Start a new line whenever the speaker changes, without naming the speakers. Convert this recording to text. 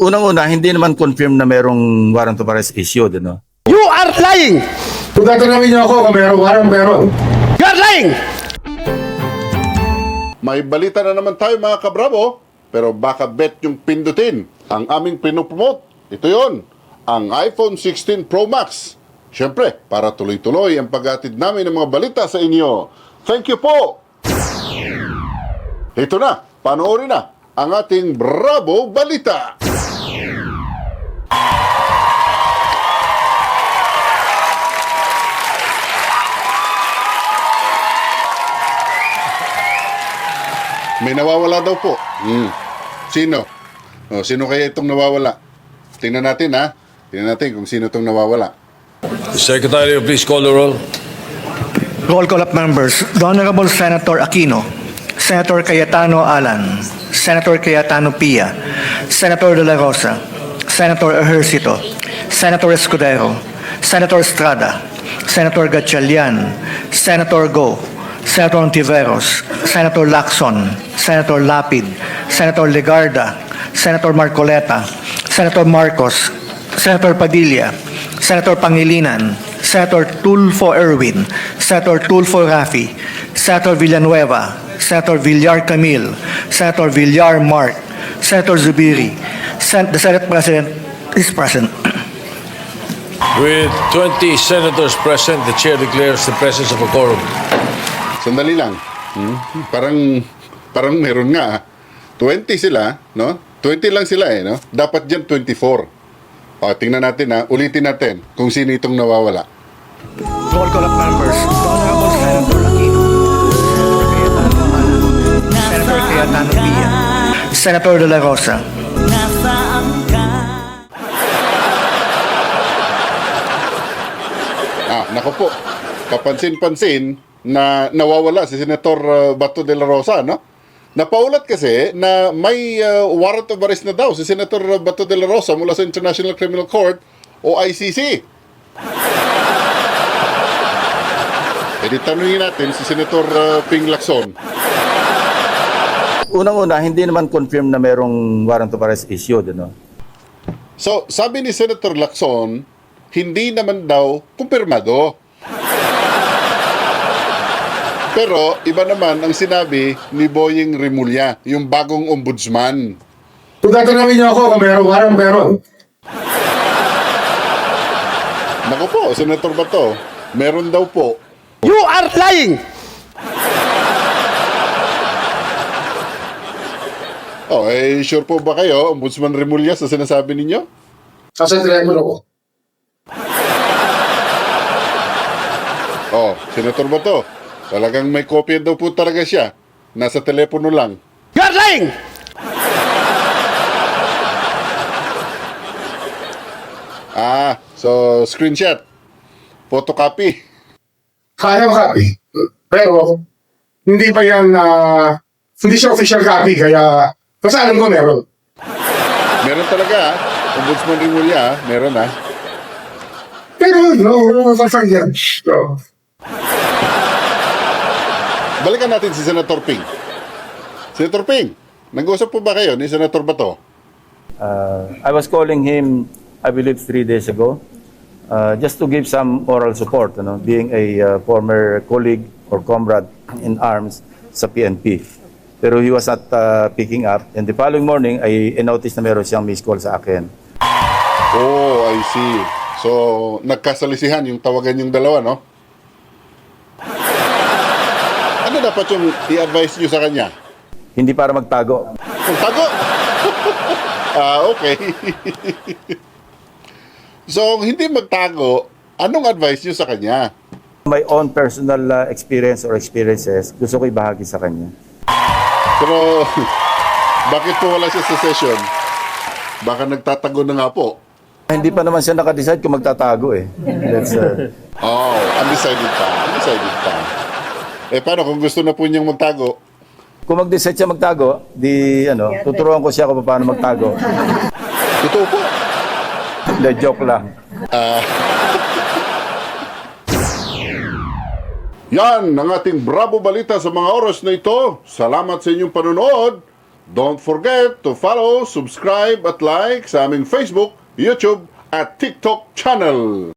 Unang-una, hindi naman confirm na merong warrant of arrest issued, ano?
You are lying!
Kung tatanungin niyo ako kung meron.
You are lying!
May balita na naman tayo mga kabravo, pero baka bet yung pindutin ang aming pinopromote. Ito yon, ang iPhone 16 Pro Max. Siyempre, para tuloy-tuloy ang paghatid namin ng mga balita sa inyo. Thank you po! Ito na, panoorin na ang ating Bravo Balita. May nawawala daw po. Sino? Sino kaya itong nawawala? Tingnan natin ha. Tingnan natin kung sino itong nawawala.
Secretary, please call the roll.
Roll call of members. The Honorable Senator Aquino, Senator Cayetano Alan, Senator Cayetano Pia, Senator De La Rosa, Senator Ejercito, Senator Escudero, Senator Estrada, Senator Gatchalian, Senator Go, Senator Ontiveros, Senator Lacson, Senator Lapid, Senator Legarda, Senator Marcoleta, Senator Marcos, Senator Padilla, Senator Pangilinan, Senator Tulfo Erwin, Senator Tulfo Rafi, Senator Villanueva, Senator Villar Camille, Senator Villar Mark, Senator Zubiri. The Senate President is present.
With 20 senators present, the chair declares the presence of a quorum.
Sandali lang. Parang meron nga. 20 sila, no? 20 lang sila no? Dapat dyan 24. Tingnan natin ulitin natin kung sino itong nawawala.
Roll call of members. The Honorable Senator Aquino, Senator Cayetano Pia, Senator De La Rosa,
Nako po. Kapansin-pansin na nawawala si Senator Bato de la Rosa, no? Napaulat kasi na may warrant of arrest na daw si Senator Bato de la Rosa mula sa International Criminal Court o ICC. Di tanungin natin si Senator Ping Lacson.
Unang-una, hindi naman confirm na merong warrant of arrest issued, ano?
So, sabi ni Senator Lacson, hindi naman daw kumpirmado. Pero iba naman ang sinabi ni Boying Rimulya, yung bagong ombudsman.
Kung tatanungin niyo ako kung meron.
Naku po, Senator Bato, meron daw po.
You are lying!
Sure po ba kayo, Ombudsman Rimulya, sa sinasabi ninyo?
Sa telepono ko.
Senator Bato, talagang may kopya daw po talaga siya. Nasa telepono lang.
You are lying!
So screenshot. Photocopy.
Kaya copy. Pero, hindi pa yan, hindi siya official copy, kaya, kasi alam ko meron.
Meron talaga Ombudsman Rimulya, meron
Pero, no, yan. So,
Balikan natin si Senator Ping. Senator Ping, nag-usap po ba kayo ni Senator Bato?
I was calling him, I believe, 3 days ago, just to give some moral support, ano, being a former colleague or comrade in arms sa PNP. Pero he was not picking up. And the following morning, I noticed na meron siyang missed call sa akin.
Oh, I see. So, nagkasalisihan yung tawagan yung dalawa, no? Ano dapat yung i-advise nyo sa kanya?
Hindi para magtago.
Kung tago? Okay. So, hindi magtago, anong advice nyo sa kanya?
My own personal experience or experiences, gusto ko ibahagi sa kanya.
Pero, bakit po wala siya sa session? Baka nagtatago na nga po.
Hindi pa naman siya nakadecide kung magtatago eh. That's,
Undecided pa. Undecided pa. Paano kung gusto na po niyang magtago?
kung mag-decide siya magtago, tuturuan ko siya kung paano magtago.
Totoo po.
The joke lang.
Yan ang ating Bravo Balita sa mga oras na ito. Salamat sa inyong panonood. Don't forget to follow, subscribe at like sa aming Facebook, YouTube at TikTok channel.